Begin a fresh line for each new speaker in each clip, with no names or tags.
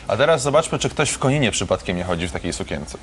A teraz zobaczmy, czy ktoś w Koninie przypadkiem nie chodzi w takiej sukience.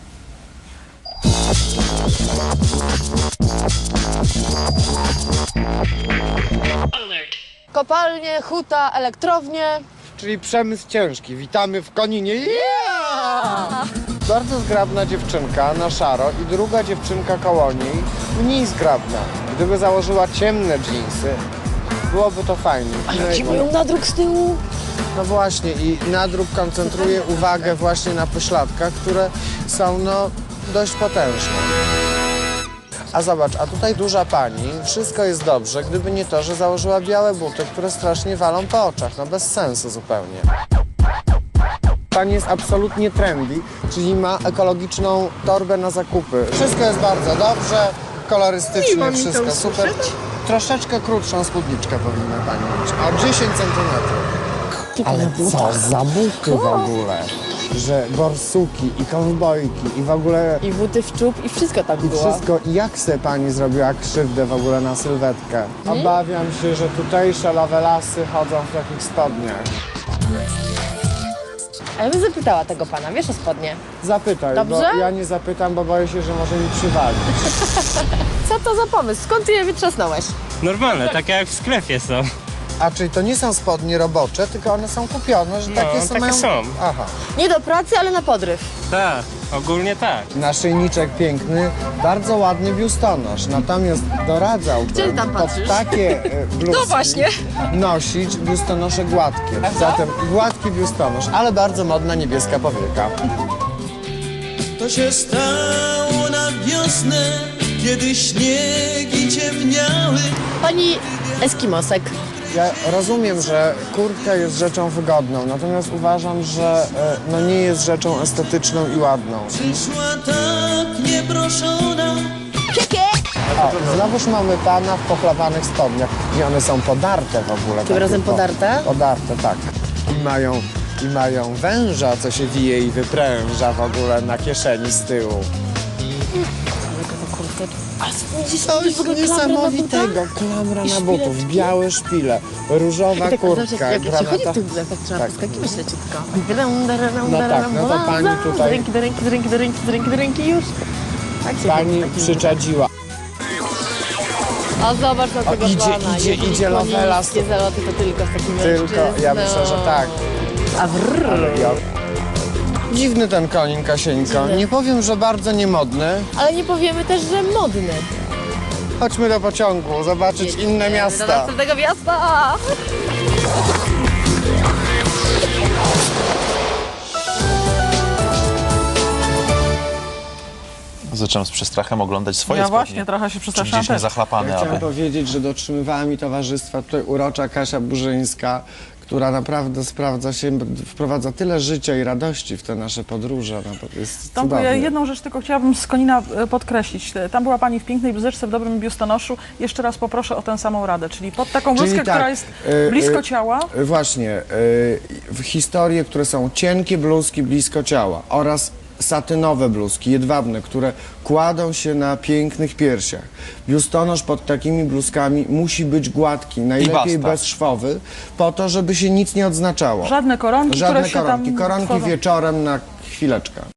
Kopalnie, huta, elektrownie.
Czyli przemysł ciężki. Witamy w Koninie. Yeah! Bardzo zgrabna dziewczynka na szaro i druga dziewczynka koło niej mniej zgrabna. Gdyby założyła ciemne dżinsy, byłoby to fajnie.
Ci mają nadruk z tyłu.
No właśnie i nadruk koncentruje uwagę właśnie na pośladkach, które są no dość potężne. A zobacz, a tutaj duża pani, wszystko jest dobrze, gdyby nie to, że założyła białe buty, które strasznie walą po oczach, no bez sensu zupełnie. Pani jest absolutnie trendy, czyli ma ekologiczną torbę na zakupy. Wszystko jest bardzo dobrze, kolorystycznie, wszystko super. Troszeczkę krótszą spódniczkę powinna pani mieć, o 10 centymetrów. Ale co za buty w ogóle, że borsuki i kowbojki i w ogóle...
I buty w czub i wszystko tam
I
było.
wszystko, jak se pani zrobiła krzywdę w ogóle na sylwetkę? Obawiam się, że tutejsze lawelasy chodzą w takich spodniach.
A ja bym zapytała tego pana, wiesz o spodnie?
Zapytaj,
Dobrze?
bo ja nie zapytam, bo boję się, że może mi przywalić.
Co to za pomysł? Skąd ty je wytrzasnąłeś?
Normalne, takie jak w sklepie są.
A czyli to nie są spodnie robocze, tylko one są kupione, że takie są?
takie są.
Aha.
Nie do pracy, ale na podryw.
Tak, ogólnie tak.
Naszyjniczek piękny, bardzo ładny biustonosz, natomiast doradzałbym
Gdzie tam
pod
patrzysz?
takie bluzki
No właśnie.
nosić biustonosze gładkie. Zatem gładki biustonosz, ale bardzo modna niebieska powieka.
To się stało na wiosnę, kiedy śniegi ciemniały.
Pani Eskimosek.
Ja rozumiem, że kurtka jest rzeczą wygodną, natomiast uważam, że no nie jest rzeczą estetyczną i ładną.
Przyszła tak nieproszona.
O, znowuż mamy pana w pochlawanych spodniach i one są podarte w ogóle.
Tym
takie
razem podarte?
Podarte, tak. I mają węża, co się wije i wypręża w ogóle na kieszeni z tyłu. Coś niesamowitego, klamra na butów, białe szpile, różowa kurtka,
Jak się chodzi w
granata.
tych butach, tak trzeba
Tak.
poskakiwać leciutko.
No tak, no to pani tutaj-
Z ręki do ręki, z ręki do ręki, z ręki do ręki już. Tak się
Pani
chodzi,
przyczadziła.
A zobacz na tego
idzie,
pana.
idzie,
Jeżeli
idzie Lovelas.
konińskie zaloty to tylko z takim
Tylko, ja myślę, że tak.
A wrrr.
Dziwny ten konin, Kasieńko.
Dziwny.
Nie powiem, że bardzo niemodny.
Ale nie powiemy też, że modny.
Chodźmy do pociągu, zobaczyć inne
Do
miasta.
następnego miasta.
Zacząłem z przestrachem oglądać swoje
Ja
spodnie.
właśnie trochę się
Czy
przestraszyłam
gdzieś nie
też.
zachlapane,
Ja chciałem
aby...
powiedzieć, że dotrzymywała mi towarzystwa tutaj urocza Kasia Burzyńska, która naprawdę wprowadza tyle życia i radości w te nasze podróże. No, to jest
Tomku, ja
cudownie.
jedną rzecz tylko chciałabym z Konina podkreślić. Tam była pani w pięknej bluzeczce, w dobrym biustonoszu. Jeszcze raz poproszę o tę samą radę, czyli pod taką bluzkę,
Czyli tak,
która jest blisko ciała.
Właśnie, w historie, które są cienkie bluzki blisko ciała oraz satynowe bluzki, jedwabne, które kładą się na pięknych piersiach. Biustonosz pod takimi bluzkami musi być gładki, najlepiej
basta.
bezszwowy, po to, żeby się nic nie odznaczało.
Żadne koronki,
Żadne
które się
koronki.
tam
Koronki
tworzą.
wieczorem na chwileczkę.